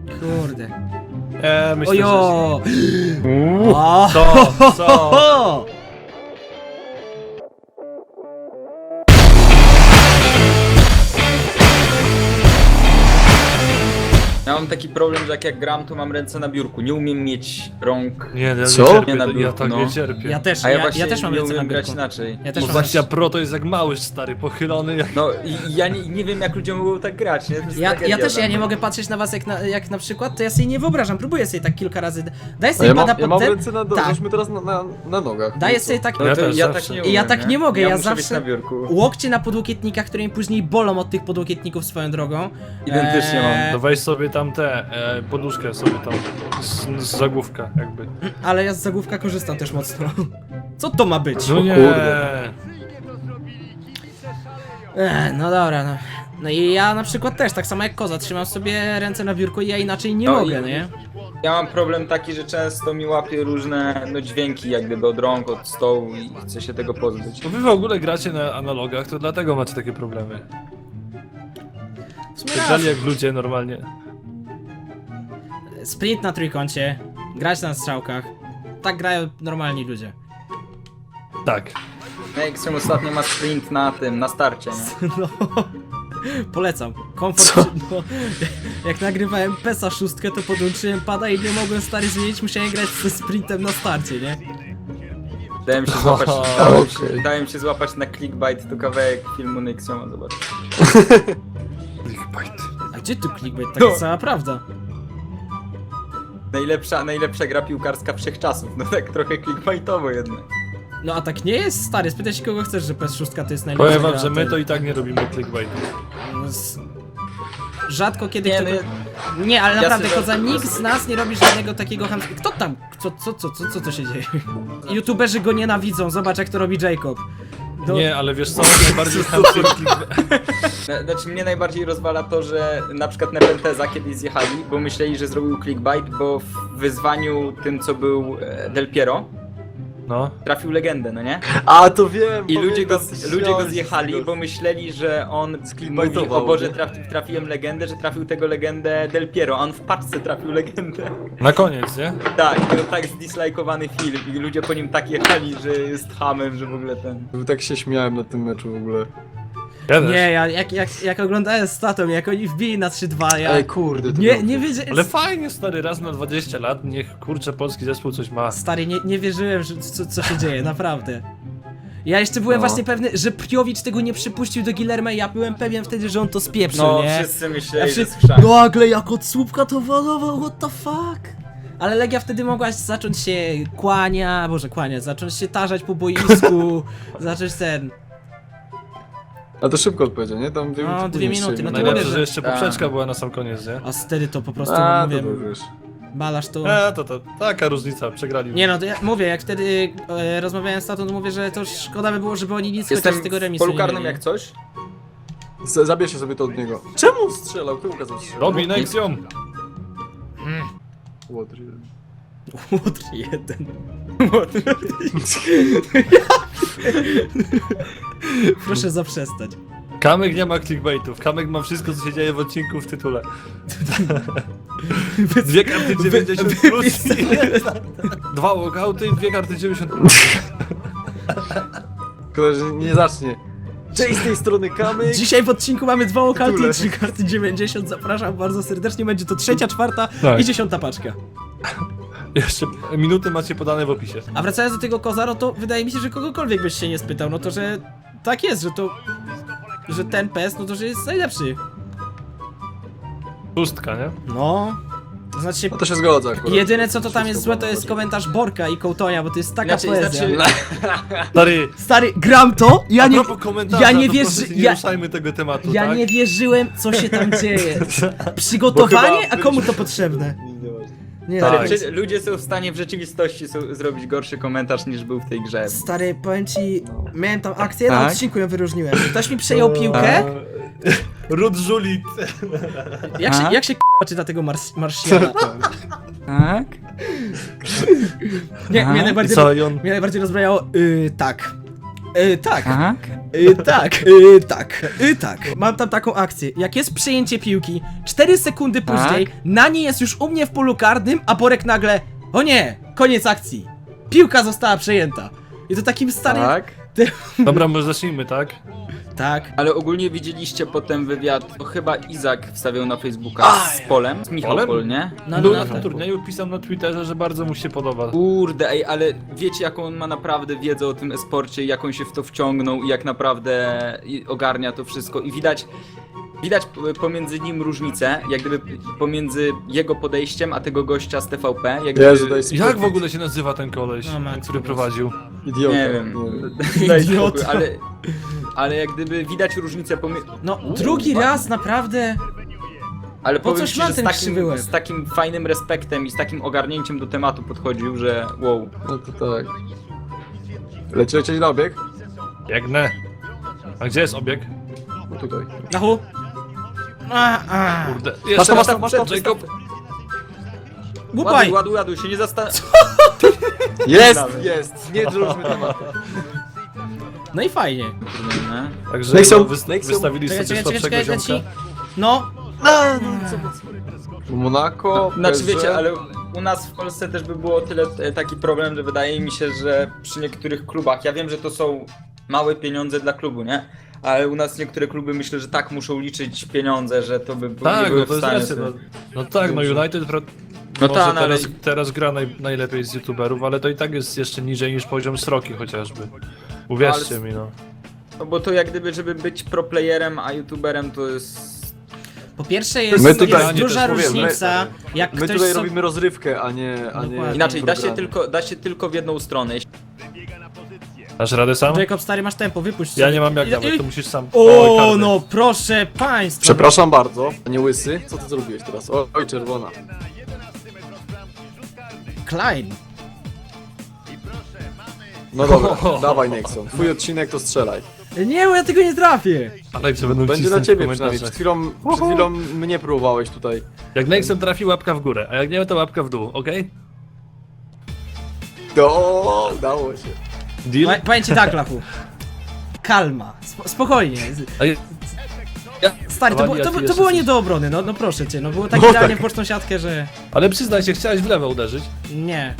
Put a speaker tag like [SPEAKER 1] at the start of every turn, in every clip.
[SPEAKER 1] Kurde.
[SPEAKER 2] Myślę, że...
[SPEAKER 1] Ojo!
[SPEAKER 2] Co?
[SPEAKER 3] Ja mam taki problem, że jak gram, to mam ręce na biurku. Nie umiem mieć rąk.
[SPEAKER 2] Nie, ja
[SPEAKER 4] Co?
[SPEAKER 2] nie cierpię,
[SPEAKER 3] Nie na
[SPEAKER 2] ja
[SPEAKER 3] biurku,
[SPEAKER 2] tak
[SPEAKER 3] no.
[SPEAKER 2] nie cierpię.
[SPEAKER 1] Ja też,
[SPEAKER 3] A ja
[SPEAKER 1] ja
[SPEAKER 3] właśnie
[SPEAKER 1] też mam
[SPEAKER 3] nie
[SPEAKER 1] ręce na
[SPEAKER 3] umiem grać
[SPEAKER 1] biurku.
[SPEAKER 3] inaczej.
[SPEAKER 1] Ja też mam
[SPEAKER 2] Wersja Pro to jest jak mały stary, pochylony jak...
[SPEAKER 3] No i ja nie wiem, jak ludzie mogą tak grać, nie? To jest
[SPEAKER 1] Ja
[SPEAKER 3] tragedia
[SPEAKER 1] też
[SPEAKER 3] dla
[SPEAKER 1] nie
[SPEAKER 3] mnie.
[SPEAKER 1] mogę patrzeć na was jak na przykład, to ja sobie nie wyobrażam, próbuję sobie tak kilka razy, daję
[SPEAKER 4] A
[SPEAKER 1] sobie
[SPEAKER 4] ja
[SPEAKER 1] pada
[SPEAKER 4] mam,
[SPEAKER 1] pod
[SPEAKER 4] ja mam
[SPEAKER 1] ten,
[SPEAKER 4] ręce na
[SPEAKER 1] tak,
[SPEAKER 4] żeśmy teraz na nogach.
[SPEAKER 1] daję
[SPEAKER 4] No co?
[SPEAKER 1] sobie tak,
[SPEAKER 3] No
[SPEAKER 2] Ja
[SPEAKER 3] to
[SPEAKER 2] też
[SPEAKER 3] ja
[SPEAKER 2] zawsze.
[SPEAKER 3] tak nie
[SPEAKER 1] I ja
[SPEAKER 3] umiem,
[SPEAKER 1] tak nie mogę, ja
[SPEAKER 3] muszę być
[SPEAKER 1] zawsze-
[SPEAKER 3] na biurku.
[SPEAKER 1] łokcie na podłokietnikach, które mi później bolą od tych podłokietników swoją drogą.
[SPEAKER 3] Identycznie mam.
[SPEAKER 2] No weź sobie tam poduszkę sobie tam z zagłówka jakby.
[SPEAKER 1] Ale ja z zagłówka korzystam też mocno. Co to ma być?
[SPEAKER 2] No nie.
[SPEAKER 4] kurde.
[SPEAKER 1] No dobra, no. No i ja na przykład też, tak samo jak koza, trzymam sobie ręce na biurku i ja inaczej nie
[SPEAKER 3] No
[SPEAKER 1] mogę,
[SPEAKER 3] i-
[SPEAKER 1] nie?
[SPEAKER 3] Ja mam problem taki, że często mi łapie różne dźwięki jak gdyby od rąk, od stołu i chcę się tego pozbyć.
[SPEAKER 2] To wy w ogóle gracie na analogach, to dlatego macie takie problemy.
[SPEAKER 1] W sumie
[SPEAKER 2] Tak
[SPEAKER 1] raz.
[SPEAKER 2] dalej jak ludzie normalnie.
[SPEAKER 1] Sprint na trójkącie, grać na strzałkach. Tak grają normalni ludzie.
[SPEAKER 2] Tak.
[SPEAKER 3] Extreme ostatnio ma sprint na tym, na starcie, nie?
[SPEAKER 1] No, polecam. Komfort. No, jak nagrywałem PESA 6, to podłączyłem pada i nie mogłem stary zmienić, musiałem grać ze sprintem na starcie, nie?
[SPEAKER 3] Dałem się złapać,
[SPEAKER 4] okej.
[SPEAKER 3] dałem się złapać na clickbait, to kawałek filmu Nexioma, zobacz.
[SPEAKER 2] Clickbait.
[SPEAKER 1] A gdzie tu clickbait? Taka cała prawda.
[SPEAKER 3] Najlepsza gra piłkarska wszechczasów, no tak trochę clickbaitowo jednak.
[SPEAKER 1] No a tak nie jest, stary, spytaj się kogo chcesz, że PES 6 to jest najlepsza
[SPEAKER 2] Powiem wam,
[SPEAKER 1] gra,
[SPEAKER 2] że my to i tak nie robimy clickbaitu.
[SPEAKER 1] Rzadko kiedy
[SPEAKER 3] Nie,
[SPEAKER 1] kto...
[SPEAKER 3] no
[SPEAKER 1] Nie, ale
[SPEAKER 3] ja
[SPEAKER 1] naprawdę,
[SPEAKER 3] sobie
[SPEAKER 1] koza,
[SPEAKER 3] żartuję
[SPEAKER 1] nikt z
[SPEAKER 3] sobie.
[SPEAKER 1] nas nie robi żadnego takiego Kto tam? Co to się dzieje? YouTuberzy go nienawidzą, zobacz jak to robi Jacob. No,
[SPEAKER 2] Nie, ale wiesz co, najbardziej chamskie
[SPEAKER 3] Znaczy mnie najbardziej rozwala to, że na przykład Nepenteza kiedyś zjechali, bo myśleli, że zrobił clickbait, bo w wyzwaniu tym co był Del Piero
[SPEAKER 2] No.
[SPEAKER 3] trafił legendę, no nie?
[SPEAKER 4] A, to wiem!
[SPEAKER 3] I ludzie go
[SPEAKER 4] śmiałem się
[SPEAKER 3] zjechali,
[SPEAKER 4] z tego.
[SPEAKER 3] bo myśleli, że on mówi,
[SPEAKER 4] Clickbaitował,
[SPEAKER 3] o Boże,
[SPEAKER 4] nie?
[SPEAKER 3] trafiłem legendę, że trafił tego legendę Del Piero, a on w paczce trafił legendę.
[SPEAKER 2] Na koniec, nie?
[SPEAKER 3] Tak, i to tak zdislajkowany film i ludzie po nim tak jechali, że jest hamem, że w ogóle ten...
[SPEAKER 4] Tak się śmiałem na tym meczu w ogóle.
[SPEAKER 2] Ja też.
[SPEAKER 1] nie, ja jak oglądałem statą, jak oni wbili na 3-2, ja...
[SPEAKER 4] Ej, kurde, to
[SPEAKER 1] Nie,
[SPEAKER 4] było-
[SPEAKER 1] nie wiedziałem...
[SPEAKER 2] Ale fajnie stary, raz na 20 lat, niech kurczę polski zespół coś ma.
[SPEAKER 1] Stary, nie wierzyłem, że co się dzieje, naprawdę. Ja jeszcze byłem
[SPEAKER 4] No.
[SPEAKER 1] właśnie pewny, że Priowicz tego nie przypuścił do Guillermo i ja byłem pewien wtedy, że on to spieprzył,
[SPEAKER 3] No,
[SPEAKER 1] nie?
[SPEAKER 3] wszyscy
[SPEAKER 1] Ja
[SPEAKER 3] myśleli, że
[SPEAKER 1] wszyscy-
[SPEAKER 3] jest chrzan.
[SPEAKER 1] Nagle jak od słupka to walował, what the fuck? Ale Legia wtedy mogła zacząć się zacząć się tarzać po boisku, zacząć ten...
[SPEAKER 4] A to szybko odpowiedział, nie? Tam 2
[SPEAKER 1] No,
[SPEAKER 4] minuty.
[SPEAKER 1] 2
[SPEAKER 4] później
[SPEAKER 1] minuty,
[SPEAKER 4] strzelił.
[SPEAKER 1] no to
[SPEAKER 2] Najlepsze,
[SPEAKER 1] mówię,
[SPEAKER 2] że
[SPEAKER 1] że-
[SPEAKER 2] jeszcze poprzeczka była na sam koniec, nie?
[SPEAKER 1] A wtedy to po prostu,
[SPEAKER 4] A,
[SPEAKER 1] mówię,
[SPEAKER 4] to wiesz.
[SPEAKER 1] balasz to...
[SPEAKER 2] To taka różnica, przegrali.
[SPEAKER 1] Nie no, to ja mówię, jak wtedy rozmawiałem z tatą, to mówię, że to szkoda by było, żeby oni nic
[SPEAKER 3] Jestem
[SPEAKER 1] chociaż z tego
[SPEAKER 3] w
[SPEAKER 1] remisu
[SPEAKER 3] polu
[SPEAKER 1] nie
[SPEAKER 3] karnym
[SPEAKER 1] mieli.
[SPEAKER 3] jak coś.
[SPEAKER 4] Zabierzcie sobie to od niego. Czemu strzelał? Kto ukazał strzelał?
[SPEAKER 2] Robi Nexium!
[SPEAKER 4] Łotr.
[SPEAKER 1] Łotr jeden. Proszę zaprzestać.
[SPEAKER 2] Kamek nie ma clickbaitów, Kamek ma wszystko co się dzieje w odcinku w tytule. Dwie karty 90 plus i 2 walkouty i 2 karty 90 plus.
[SPEAKER 4] Szkoda, że nie zacznie. Cześć z tej strony Kamyk.
[SPEAKER 1] Dzisiaj w odcinku mamy 2 lokalty i
[SPEAKER 4] Tytule.
[SPEAKER 1] 3 karty 90. Zapraszam bardzo serdecznie. Będzie to 3., 4.
[SPEAKER 2] Tak.
[SPEAKER 1] i 10. paczka.
[SPEAKER 2] Jeszcze minuty macie podane w opisie.
[SPEAKER 1] A wracając do tego Kozaro, to wydaje mi się, że kogokolwiek byś się nie spytał, no to że tak jest, że ten PES, no to że jest najlepszy.
[SPEAKER 2] Pustka, nie?
[SPEAKER 1] No. To znaczy,
[SPEAKER 4] No to się zgodzę akurat.
[SPEAKER 1] jedyne co to tam jest
[SPEAKER 4] Wszystko
[SPEAKER 1] złe, to
[SPEAKER 4] było
[SPEAKER 1] jest
[SPEAKER 4] na
[SPEAKER 1] komentarz Borka i Kołtonia, bo to jest taka poezja.
[SPEAKER 2] Stary,
[SPEAKER 1] Stary, gram to, ja
[SPEAKER 2] a
[SPEAKER 1] nie...
[SPEAKER 2] propos komentarza,
[SPEAKER 1] ja nie
[SPEAKER 2] to
[SPEAKER 1] wierzę-
[SPEAKER 2] proszę cię, nie
[SPEAKER 1] ja-
[SPEAKER 2] ruszajmy tego tematu,
[SPEAKER 1] Ja
[SPEAKER 2] tak?
[SPEAKER 1] nie wierzyłem, co się tam dzieje. Przygotowanie,
[SPEAKER 4] Bo chyba
[SPEAKER 1] a komu to potrzebne? Nie,
[SPEAKER 2] Tak.
[SPEAKER 1] stary,
[SPEAKER 3] Ludzie są w stanie w rzeczywistości zrobić gorszy komentarz niż był w tej grze.
[SPEAKER 1] stary, powiem ci, miałem tam akcję, na
[SPEAKER 3] Tak?
[SPEAKER 1] odcinku ją wyróżniłem. Ktoś mi przejął piłkę.
[SPEAKER 2] Rud Żulit.
[SPEAKER 1] Jak się k***a czyta tego Marsjana?
[SPEAKER 3] Tak?
[SPEAKER 1] Nie,
[SPEAKER 3] Aha.
[SPEAKER 1] mnie
[SPEAKER 2] I
[SPEAKER 1] najbardziej,
[SPEAKER 2] co, i on...
[SPEAKER 1] mnie najbardziej rozbrajało, tak. Tak.
[SPEAKER 3] Aha.
[SPEAKER 1] Tak. Mam tam taką akcję. Jak jest przejęcie piłki, 4 sekundy później, Nani jest już u mnie w polu karnym, a Borek nagle, o nie, koniec akcji. Piłka została przejęta. I to takim starym...
[SPEAKER 3] Tak.
[SPEAKER 2] Dobra, może zacznijmy, tak?
[SPEAKER 1] Tak.
[SPEAKER 3] Ale ogólnie widzieliście potem wywiad, to chyba Izak wstawiał na Facebooka z Polem, z Michał
[SPEAKER 2] Polem?
[SPEAKER 3] Pol, nie?
[SPEAKER 1] No,
[SPEAKER 2] Był
[SPEAKER 1] no,
[SPEAKER 2] na
[SPEAKER 1] tak.
[SPEAKER 2] tym turnieju, pisał na Twitterze, że bardzo mu się podoba.
[SPEAKER 3] Kurde, ej, ale wiecie jaką on ma naprawdę wiedzę o tym e-sporcie, jak on się w to wciągnął i jak naprawdę ogarnia to wszystko i widać pomiędzy nim różnicę, jak gdyby pomiędzy jego podejściem, a tego gościa z TVP, jak gdyby...
[SPEAKER 4] Jezu, daj spokój.
[SPEAKER 2] Jak w ogóle się nazywa ten koleś,
[SPEAKER 1] No, Max,
[SPEAKER 2] który
[SPEAKER 1] po prostu.
[SPEAKER 2] prowadził?
[SPEAKER 4] Idiota.
[SPEAKER 3] Nie wiem.
[SPEAKER 4] Nie.
[SPEAKER 3] Daj
[SPEAKER 1] Idiota.
[SPEAKER 3] spokój, ale jak gdyby widać różnicę pomiędzy...
[SPEAKER 1] No, drugi raz naprawdę...
[SPEAKER 3] Ale
[SPEAKER 1] Po
[SPEAKER 3] powiem
[SPEAKER 1] coś
[SPEAKER 3] ci,
[SPEAKER 1] ma
[SPEAKER 3] że
[SPEAKER 1] ten krzywy łeb?
[SPEAKER 3] z takim fajnym respektem i z takim ogarnięciem do tematu podchodził, że wow.
[SPEAKER 4] No to tak. Lecieć na obieg?
[SPEAKER 2] Biegnę. A gdzie jest obieg?
[SPEAKER 4] No tutaj.
[SPEAKER 1] Nachu?
[SPEAKER 2] Kurde.
[SPEAKER 4] Masz
[SPEAKER 2] Jeszcze
[SPEAKER 4] to,
[SPEAKER 2] raz
[SPEAKER 4] masz to.
[SPEAKER 2] Jacob.
[SPEAKER 1] Łupaj!
[SPEAKER 3] Ładuj, się nie zastanów.
[SPEAKER 4] Jest! Nie drążmy tematu.
[SPEAKER 1] No i fajnie.
[SPEAKER 2] Także
[SPEAKER 4] Nexon,
[SPEAKER 2] no,
[SPEAKER 4] Nexon.
[SPEAKER 2] wystawili
[SPEAKER 1] Czekaj,
[SPEAKER 2] sobie
[SPEAKER 1] czekaj,
[SPEAKER 2] słabszego
[SPEAKER 1] czekaj,
[SPEAKER 2] ziomka.
[SPEAKER 1] leci. No,
[SPEAKER 4] Monaco,
[SPEAKER 3] Znaczy
[SPEAKER 4] PSG.
[SPEAKER 3] wiecie, ale u nas w Polsce też by było tyle taki problem, że wydaje mi się, że przy niektórych klubach, ja wiem, że to są małe pieniądze dla klubu, nie? Ale u nas niektóre kluby myślę, że tak muszą liczyć pieniądze, że to by nie
[SPEAKER 2] Tak,
[SPEAKER 3] były
[SPEAKER 2] no to
[SPEAKER 3] w
[SPEAKER 2] jest
[SPEAKER 3] stanie
[SPEAKER 2] racja.
[SPEAKER 3] sobie...
[SPEAKER 2] No tak, no United
[SPEAKER 3] No
[SPEAKER 2] może
[SPEAKER 3] tak, no ale-
[SPEAKER 2] teraz gra najlepiej z youtuberów, ale to i tak jest jeszcze niżej niż poziom Sroki chociażby. Uwierzcie mi, no.
[SPEAKER 3] No bo to jak gdyby, żeby być pro playerem, a youtuberem to jest...
[SPEAKER 1] po pierwsze jest,
[SPEAKER 4] My tutaj-
[SPEAKER 1] jest duża
[SPEAKER 2] też mówię,
[SPEAKER 1] różnica, jak
[SPEAKER 4] My
[SPEAKER 1] ktoś
[SPEAKER 4] tutaj
[SPEAKER 1] so...
[SPEAKER 4] robimy rozrywkę, a nie
[SPEAKER 1] Dokładnie.
[SPEAKER 3] Inaczej,
[SPEAKER 4] programy.
[SPEAKER 3] da się tylko w jedną stronę.
[SPEAKER 2] Dasz radę sam?
[SPEAKER 1] Jacob, stary, masz tempo, wypuść
[SPEAKER 2] Ja
[SPEAKER 1] sobie.
[SPEAKER 2] nie mam jak
[SPEAKER 1] I-
[SPEAKER 2] nawet,
[SPEAKER 1] i-
[SPEAKER 2] to musisz sam.
[SPEAKER 1] O,
[SPEAKER 2] karny.
[SPEAKER 1] no proszę państwa.
[SPEAKER 4] Przepraszam bardzo, nie łysy. Co ty zrobiłeś teraz? Oj, czerwona.
[SPEAKER 1] Klein.
[SPEAKER 4] No dobra, dawaj Nexon. Twój odcinek to strzelaj.
[SPEAKER 1] Nie, bo ja tego nie trafię.
[SPEAKER 2] Ale co będą
[SPEAKER 4] Będzie
[SPEAKER 2] cisnąć
[SPEAKER 4] dla
[SPEAKER 2] w
[SPEAKER 4] ciebie przynajmniej.
[SPEAKER 2] komentarzach.
[SPEAKER 4] Przed chwilą mnie próbowałeś tutaj.
[SPEAKER 2] Jak Nexon trafi, łapka w górę, a jak nie, to łapka w dół, okej?
[SPEAKER 4] O, udało się.
[SPEAKER 2] Deal?
[SPEAKER 1] Powiem ci tak, Lachu. Kalma. Spokojnie.
[SPEAKER 2] A ja-
[SPEAKER 1] Stary, to,
[SPEAKER 2] Wali, a ty
[SPEAKER 1] to
[SPEAKER 2] jeszcze
[SPEAKER 1] było
[SPEAKER 2] coś.
[SPEAKER 1] nie do obrony, no proszę cię. No było tak
[SPEAKER 4] No
[SPEAKER 1] idealnie
[SPEAKER 4] tak.
[SPEAKER 1] w pocztą siatkę, że...
[SPEAKER 2] Ale przyznaj się, chciałeś w lewo uderzyć.
[SPEAKER 1] Nie.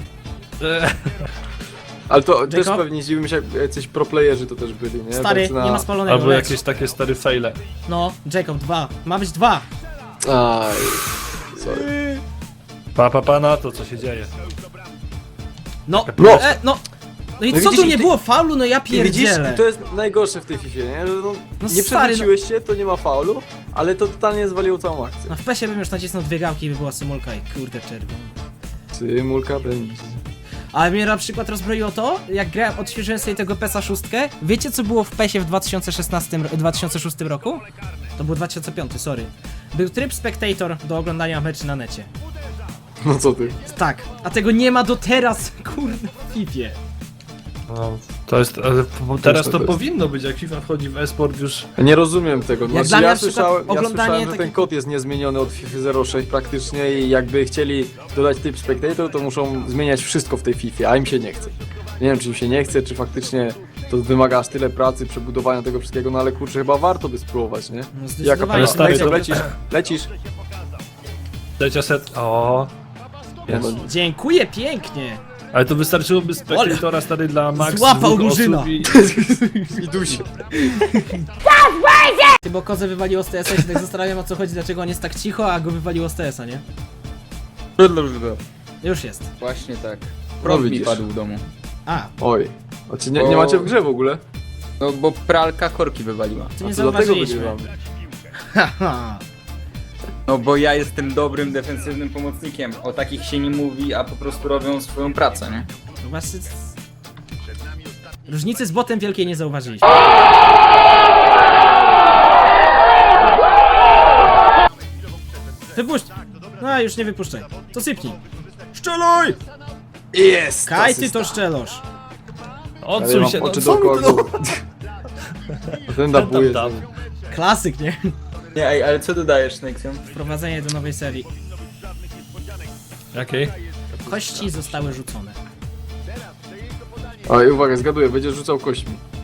[SPEAKER 4] Ale to też
[SPEAKER 1] Jacob?
[SPEAKER 4] pewnie dziwiłem się, jak jacyś proplayerzy to też byli, nie?
[SPEAKER 1] Stary,
[SPEAKER 4] Tak na-
[SPEAKER 1] nie ma spalonego.
[SPEAKER 2] Albo
[SPEAKER 1] leć.
[SPEAKER 2] jakieś takie stare faile.
[SPEAKER 1] No, Jacob, 2. Ma być 2.
[SPEAKER 4] Aj, sorry.
[SPEAKER 2] Pa na to, co się dzieje.
[SPEAKER 1] No,
[SPEAKER 4] No.
[SPEAKER 1] no. No i
[SPEAKER 4] No
[SPEAKER 1] co
[SPEAKER 4] widzisz,
[SPEAKER 1] tu nie
[SPEAKER 4] i ty-
[SPEAKER 1] było faulu? No ja
[SPEAKER 4] I widzisz,
[SPEAKER 1] pierdzielę.
[SPEAKER 4] i to jest najgorsze w tej FIFA, nie? Że no,
[SPEAKER 1] No
[SPEAKER 4] nie
[SPEAKER 1] stary,
[SPEAKER 4] przewróciłeś się, to nie ma faulu, ale to totalnie zwaliło całą akcję.
[SPEAKER 1] No w PESie bym już nacisnął 2 gałki i by była symulka i kurde czerwony.
[SPEAKER 4] Symulka będzie.
[SPEAKER 1] Ale mnie na przykład rozbroiło to, jak grałem, odświeżyłem sobie tego PESa 6. Wiecie co było w PESie w 2006 roku? To był 2005, sorry. Był tryb Spectator do oglądania meczy na necie.
[SPEAKER 4] No co ty?
[SPEAKER 1] Tak, a tego nie ma do teraz, kurde, w FIFA.
[SPEAKER 2] No, to jest, ale teraz to
[SPEAKER 4] to jest.
[SPEAKER 2] powinno być, jak FIFA wchodzi w e-sport już.
[SPEAKER 4] Ja nie rozumiem tego.
[SPEAKER 1] Jak
[SPEAKER 4] Znaczy,
[SPEAKER 1] dla mnie
[SPEAKER 4] ja
[SPEAKER 1] na przykład
[SPEAKER 4] słyszałem,
[SPEAKER 1] oglądanie
[SPEAKER 4] że ten
[SPEAKER 1] takich-
[SPEAKER 4] kod jest niezmieniony od FIFA 06 praktycznie i jakby chcieli dodać typ Spectator, to muszą zmieniać wszystko w tej FIFA, a im się nie chce. Nie wiem, czy im się nie chce, czy faktycznie to wymaga aż tyle pracy, przebudowania tego wszystkiego, no ale kurczę, chyba warto by spróbować, nie?
[SPEAKER 1] No
[SPEAKER 4] Jaka
[SPEAKER 1] zdecydowanie.
[SPEAKER 2] stary,
[SPEAKER 4] Nexon,
[SPEAKER 2] to-
[SPEAKER 4] lecisz?
[SPEAKER 2] Trzecia set. O. Jest.
[SPEAKER 1] Dziękuję pięknie.
[SPEAKER 2] Ale to wystarczyłoby spektatora stary dla max
[SPEAKER 1] Złapał
[SPEAKER 2] 2
[SPEAKER 1] Murzyna.
[SPEAKER 2] osób i...
[SPEAKER 4] I dusie.
[SPEAKER 1] Ty, bo kozę wywaliło z TS-a i się tak zastanawiam, o co chodzi, dlaczego on jest tak cicho, a go wywaliło z TS-a, nie? Już jest.
[SPEAKER 3] Właśnie tak. Prąd mi
[SPEAKER 4] widzisz.
[SPEAKER 3] padł w domu.
[SPEAKER 1] A,
[SPEAKER 4] Oj. Znaczy nie macie w grze w ogóle?
[SPEAKER 3] No bo pralka korki wywaliła.
[SPEAKER 1] to nie
[SPEAKER 4] A to dlatego
[SPEAKER 1] zauważyliśmy.
[SPEAKER 4] wygrywamy.
[SPEAKER 1] Haha.
[SPEAKER 3] No bo ja jestem dobrym defensywnym pomocnikiem. O takich się nie mówi, a po prostu robią swoją pracę, nie?
[SPEAKER 1] No właśnie... Różnicy z botem wielkiej nie zauważyliśmy. Wypuść! No już nie wypuszczaj. To sypnij. Szczeluj!
[SPEAKER 4] Jest!
[SPEAKER 1] Kaj ty to szczelosz.
[SPEAKER 4] Ale ja
[SPEAKER 2] Odsuń
[SPEAKER 4] mam
[SPEAKER 2] się, no
[SPEAKER 4] oczy
[SPEAKER 2] co
[SPEAKER 4] dookoła
[SPEAKER 2] mi to?
[SPEAKER 4] głowy. Ten dabuje.
[SPEAKER 2] Tam.
[SPEAKER 1] Klasyk, nie?
[SPEAKER 3] Nie, ej, ale co dodajesz, Nexion?
[SPEAKER 1] Wprowadzenie do nowej serii.
[SPEAKER 2] Jakiej?
[SPEAKER 1] Kości zostały rzucone.
[SPEAKER 4] Oj, uwaga, zgaduję, będziesz rzucał kośćmi.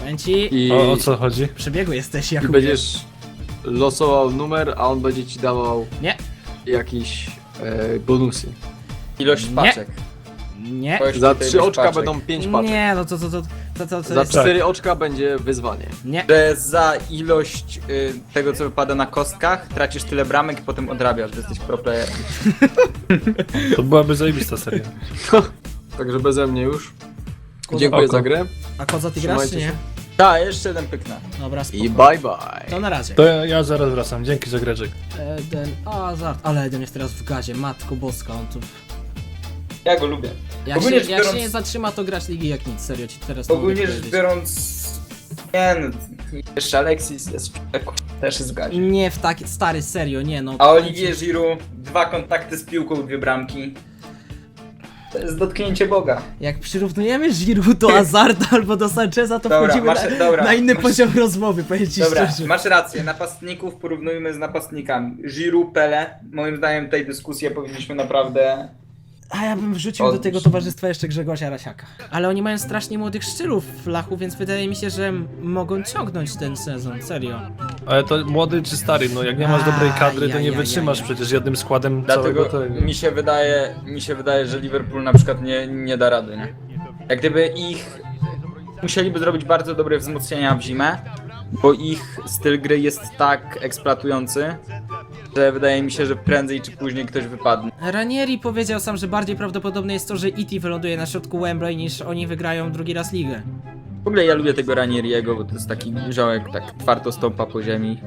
[SPEAKER 1] Powiem ci,
[SPEAKER 4] I,
[SPEAKER 2] O co chodzi?
[SPEAKER 1] przebiegły jesteś
[SPEAKER 4] i
[SPEAKER 1] Jakubie.
[SPEAKER 4] będziesz losował numer, a on będzie ci dawał
[SPEAKER 1] Nie,
[SPEAKER 4] jakieś bonusy.
[SPEAKER 3] Ilość
[SPEAKER 1] Nie.
[SPEAKER 3] paczek.
[SPEAKER 1] nie,
[SPEAKER 3] Ktoś
[SPEAKER 4] Za
[SPEAKER 3] tutaj
[SPEAKER 4] 3
[SPEAKER 3] ilość
[SPEAKER 4] oczka
[SPEAKER 3] paczek.
[SPEAKER 4] będą 5 paczek.
[SPEAKER 1] nie, no to
[SPEAKER 4] Za
[SPEAKER 1] jest...
[SPEAKER 4] 4 oczka będzie wyzwanie.
[SPEAKER 1] Nie,
[SPEAKER 3] Że za ilość tego, co wypada na kostkach, tracisz tyle bramek i potem odrabiasz, że jesteś pro player.
[SPEAKER 2] To byłaby zajebista seria.
[SPEAKER 4] Także beze mnie już. Dziękuję
[SPEAKER 2] Oko.
[SPEAKER 4] za grę
[SPEAKER 1] a Koza ty grasz czy
[SPEAKER 4] Trzymajcie
[SPEAKER 1] nie?
[SPEAKER 4] się.
[SPEAKER 3] Tak, jeszcze jeden pyknę.
[SPEAKER 1] Dobra, spoko.
[SPEAKER 4] i bye bye.
[SPEAKER 1] To na razie.
[SPEAKER 2] To ja zaraz wracam, dzięki za greczek.
[SPEAKER 1] Eden Hazard, ale Eden jest teraz w gazie, matko boska, on tu...
[SPEAKER 3] Ja go lubię.
[SPEAKER 1] Jak
[SPEAKER 3] Ogólnie
[SPEAKER 1] się,
[SPEAKER 3] rzecz
[SPEAKER 1] jak się
[SPEAKER 3] biorąc-
[SPEAKER 1] nie zatrzyma, to grać ligi jak nic, serio ci teraz nie mogę
[SPEAKER 3] Ogólnie rzecz
[SPEAKER 1] powiedzieć.
[SPEAKER 3] biorąc... Nie no, jeszcze Alexis jest też jest w gazie.
[SPEAKER 1] Nie w taki, stary, serio, nie no.
[SPEAKER 3] A Olivier Giroud, 2 kontakty z piłką, 2 bramki. To jest dotknięcie Boga.
[SPEAKER 1] Jak przyrównujemy Giroud do Hazarda albo do Sancheza, to
[SPEAKER 3] Dobra,
[SPEAKER 1] wchodzimy na inny poziom rozmowy, powiem ci
[SPEAKER 3] Dobra,
[SPEAKER 1] szczerze.
[SPEAKER 3] masz rację, napastników porównujmy z napastnikami. Giroud, Pele, moim zdaniem tej dyskusji powinniśmy naprawdę...
[SPEAKER 1] A ja bym wrzucił do tego towarzystwa jeszcze Grzegorza Rasiaka. Ale oni mają strasznie młodych szczylów w lachu, więc wydaje mi się, że mogą ciągnąć ten sezon, serio.
[SPEAKER 2] Ale to młody czy stary, no jak nie masz dobrej kadry, to nie
[SPEAKER 1] Ajajajaj.
[SPEAKER 2] wytrzymasz przecież jednym składem
[SPEAKER 3] Dlatego
[SPEAKER 2] całego tego.
[SPEAKER 3] mi się wydaje, że Liverpool na przykład nie da rady, nie? Jak gdyby ich... Musieliby zrobić bardzo dobre wzmocnienia w zimę, bo ich styl gry jest tak eksploatujący, że wydaje mi się, że prędzej czy później ktoś wypadnie.
[SPEAKER 1] Ranieri powiedział sam, że bardziej prawdopodobne jest to, że E.T. wyląduje na środku Wembley, niż oni wygrają drugi raz ligę.
[SPEAKER 3] W ogóle ja lubię tego Ranieriego, bo to jest taki ziołek, tak twardo stąpa po ziemi.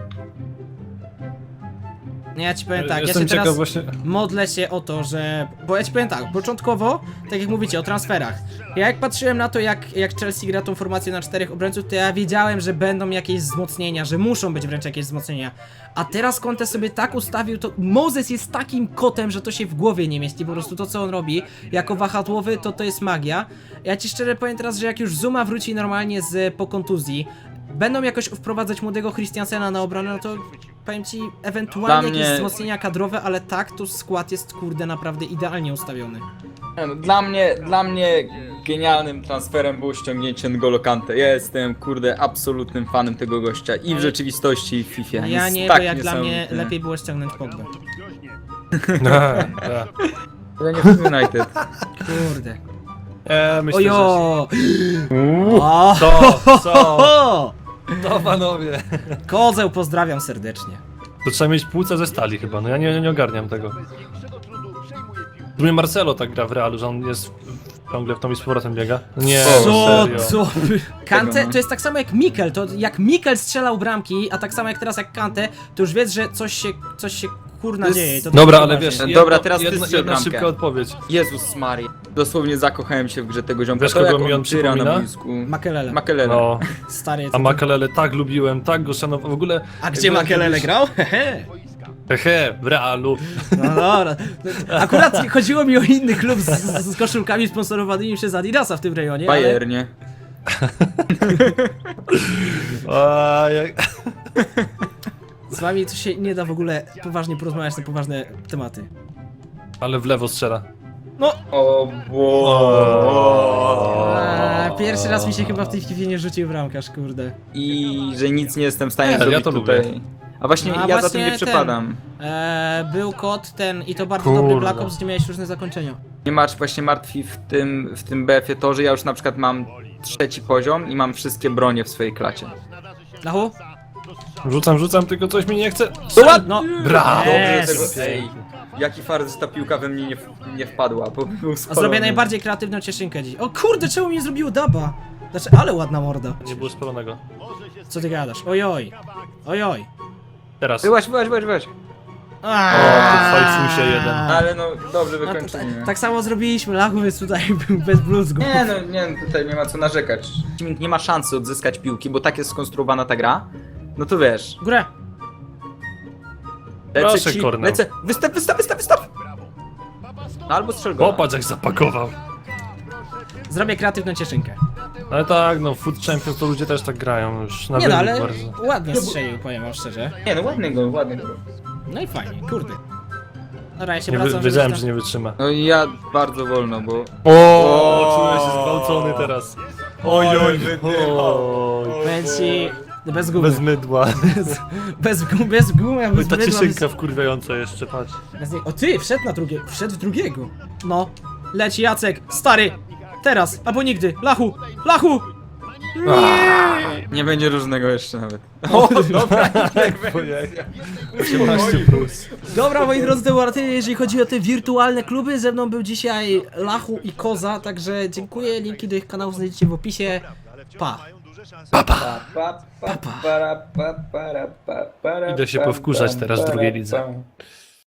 [SPEAKER 1] Ja ci powiem tak, ja
[SPEAKER 2] Jestem
[SPEAKER 1] się
[SPEAKER 2] ciekaw
[SPEAKER 1] teraz
[SPEAKER 2] właśnie...
[SPEAKER 1] modlę się o to, że... Bo ja ci powiem tak, początkowo, tak jak mówicie o transferach, ja jak patrzyłem na to, jak Chelsea gra tą formację na 4 obrońców, to ja wiedziałem, że będą jakieś wzmocnienia, że muszą być wręcz jakieś wzmocnienia. A teraz Conte sobie tak ustawił, to Moses jest takim kotem, że to się w głowie nie mieści, po prostu to co on robi, jako wahadłowy, to jest magia. Ja ci szczerze powiem teraz, że jak już Zuma wróci normalnie po kontuzji, będą jakoś wprowadzać młodego Christiansena na obronę, no to powiem ci, ewentualnie
[SPEAKER 3] Dla
[SPEAKER 1] jakieś
[SPEAKER 3] mnie-
[SPEAKER 1] wzmocnienia kadrowe, ale tak, to skład jest kurde naprawdę idealnie ustawiony.
[SPEAKER 3] Nie no, dla mnie genialnym transferem było ściągnięcie N'Golo Kante. Ja jestem, kurde, absolutnym fanem tego gościa i w rzeczywistości, i w FIFA.
[SPEAKER 1] Ja
[SPEAKER 3] Jest
[SPEAKER 1] nie,
[SPEAKER 3] tak
[SPEAKER 1] bo jak dla mnie
[SPEAKER 3] niesamowity.
[SPEAKER 1] lepiej było ściągnąć Pogbę.
[SPEAKER 3] Ale nie w United.
[SPEAKER 1] Kurde.
[SPEAKER 2] Myślę, że...
[SPEAKER 1] Ojo! O!
[SPEAKER 2] Co? To panowie.
[SPEAKER 1] Kozeł, pozdrawiam serdecznie.
[SPEAKER 2] To trzeba mieć płuca ze stali chyba, no ja nie ogarniam tego. W sumie Marcelo tak gra w Realu, że on jest ciągle w tą i z powrotem biega. Nie,
[SPEAKER 1] Co?
[SPEAKER 2] serio.
[SPEAKER 1] Co? Kante
[SPEAKER 3] Tego, no.
[SPEAKER 1] to jest tak samo jak Mikel, to jak Mikel strzelał bramki, a tak samo jak teraz jak Kante, to już wiesz, że coś się kurna
[SPEAKER 3] jest-
[SPEAKER 1] dzieje. To
[SPEAKER 2] Dobra,
[SPEAKER 1] to
[SPEAKER 2] ale
[SPEAKER 1] poważnie.
[SPEAKER 2] wiesz,
[SPEAKER 3] Dobra, teraz ty strzel
[SPEAKER 2] jedna
[SPEAKER 3] bramkę.
[SPEAKER 2] szybka odpowiedź.
[SPEAKER 3] Jezus Maria. Dosłownie zakochałem się w grze tego ziomka.
[SPEAKER 2] Wiesz,
[SPEAKER 3] To
[SPEAKER 2] kogo
[SPEAKER 3] jak
[SPEAKER 2] mi on
[SPEAKER 3] tyra na
[SPEAKER 2] przypomina?
[SPEAKER 3] boisku.
[SPEAKER 1] Makelele.
[SPEAKER 3] Makelele.
[SPEAKER 2] No,
[SPEAKER 1] Stary,
[SPEAKER 2] a
[SPEAKER 1] to...
[SPEAKER 2] Makelele tak lubiłem, tak go szanowałem, w ogóle...
[SPEAKER 1] A gdzie Makelele grał? Hehe.
[SPEAKER 2] Hehe, w Realu.
[SPEAKER 1] No dobra. Akurat chodziło mi o inny klub z koszulkami sponsorowanymi przez Adidasa w tym rejonie, ale...
[SPEAKER 3] Bayernie.
[SPEAKER 2] A, jak...
[SPEAKER 1] Z wami to się nie da w ogóle poważnie porozmawiać na poważne tematy.
[SPEAKER 2] Ale w lewo strzela.
[SPEAKER 1] No!
[SPEAKER 3] O
[SPEAKER 1] Pierwszy raz mi się chyba w tej chwili nie rzucił bramkarz, kurde.
[SPEAKER 3] I że nic nie jestem w stanie
[SPEAKER 2] Nie,
[SPEAKER 3] zrobić
[SPEAKER 2] ja to
[SPEAKER 3] tutaj.
[SPEAKER 2] lubię.
[SPEAKER 3] A właśnie
[SPEAKER 1] No, a
[SPEAKER 3] ja za
[SPEAKER 1] właśnie
[SPEAKER 3] tym nie
[SPEAKER 1] ten-
[SPEAKER 3] przepadam.
[SPEAKER 1] Był kod ten i to bardzo
[SPEAKER 2] Kurwa.
[SPEAKER 1] dobry Black Ops, gdzie miałeś różne zakończenia.
[SPEAKER 3] Nie masz właśnie martwi w tym BF-ie to, że ja już na przykład mam 3. poziom i mam wszystkie bronie w swojej klacie.
[SPEAKER 1] Lachu?
[SPEAKER 2] Rzucam, tylko coś mi nie chce.
[SPEAKER 1] No!
[SPEAKER 2] Brawo!
[SPEAKER 1] Yes.
[SPEAKER 3] Ej, jaki fart, że ta piłka we mnie nie wpadła, bo był
[SPEAKER 1] A
[SPEAKER 3] spalony.
[SPEAKER 1] zrobię najbardziej kreatywną cieszynkę dziś. O kurde, czemu mi nie zrobiło daba? Znaczy, ale ładna morda.
[SPEAKER 2] Nie było spalonego.
[SPEAKER 1] Co ty gadasz? Ojoj. Ojoj.
[SPEAKER 2] Teraz.
[SPEAKER 3] Byłaś.
[SPEAKER 2] O, tu fajfusie jeden.
[SPEAKER 3] Ale no, dobrze
[SPEAKER 1] No,
[SPEAKER 3] wykończenie.
[SPEAKER 1] tak samo zrobiliśmy, Lachu, więc tutaj był bez bluzgu.
[SPEAKER 3] Nie no, tutaj nie ma co narzekać. Nie ma szansy odzyskać piłki, bo tak jest skonstruowana ta gra. No to wiesz.
[SPEAKER 1] Górę.
[SPEAKER 2] Proszę, Kornel.
[SPEAKER 3] lecę, wystaw! No, albo strzel go.
[SPEAKER 2] Popatrz jak zapakował.
[SPEAKER 1] Zrobię kreatywną cieszynkę.
[SPEAKER 2] Ale tak, no Food Champions to ludzie też tak grają już na
[SPEAKER 1] Nie no,
[SPEAKER 2] wynik
[SPEAKER 1] ale
[SPEAKER 2] bardzo.
[SPEAKER 1] ładnie strzelił, powiem wam szczerze.
[SPEAKER 3] Nie no, ładny go.
[SPEAKER 1] No i fajnie, kurde. Dobra, ja się
[SPEAKER 2] Nie
[SPEAKER 1] wracam,
[SPEAKER 2] wiedziałem,
[SPEAKER 1] żeby
[SPEAKER 2] że nie wytrzyma.
[SPEAKER 3] No i ja bardzo wolno, bo...
[SPEAKER 2] O, czuję się zgwałcony teraz. Oj,
[SPEAKER 1] Powiem ci, bez gumy.
[SPEAKER 2] Bez mydła.
[SPEAKER 1] Bez gumy,
[SPEAKER 2] Oj,
[SPEAKER 1] bez
[SPEAKER 2] ta
[SPEAKER 1] mydła,
[SPEAKER 2] cieszynka wkurwiająca jeszcze, patrz.
[SPEAKER 1] O ty, wszedł w drugiego. No, leci Jacek, stary, teraz, albo nigdy, Lachu, Lachu!
[SPEAKER 3] Nie będzie różnego jeszcze nawet. O, dobra,
[SPEAKER 2] Ojej. 18+.
[SPEAKER 1] Dobra, moi drodzy, to było na tyle, jeżeli chodzi o te wirtualne kluby. Ze mną był dzisiaj Lachu i Koza, także dziękuję, linki do ich kanałów znajdziecie w opisie. Pa!
[SPEAKER 2] Idę się powkurzać teraz w drugiej lidze.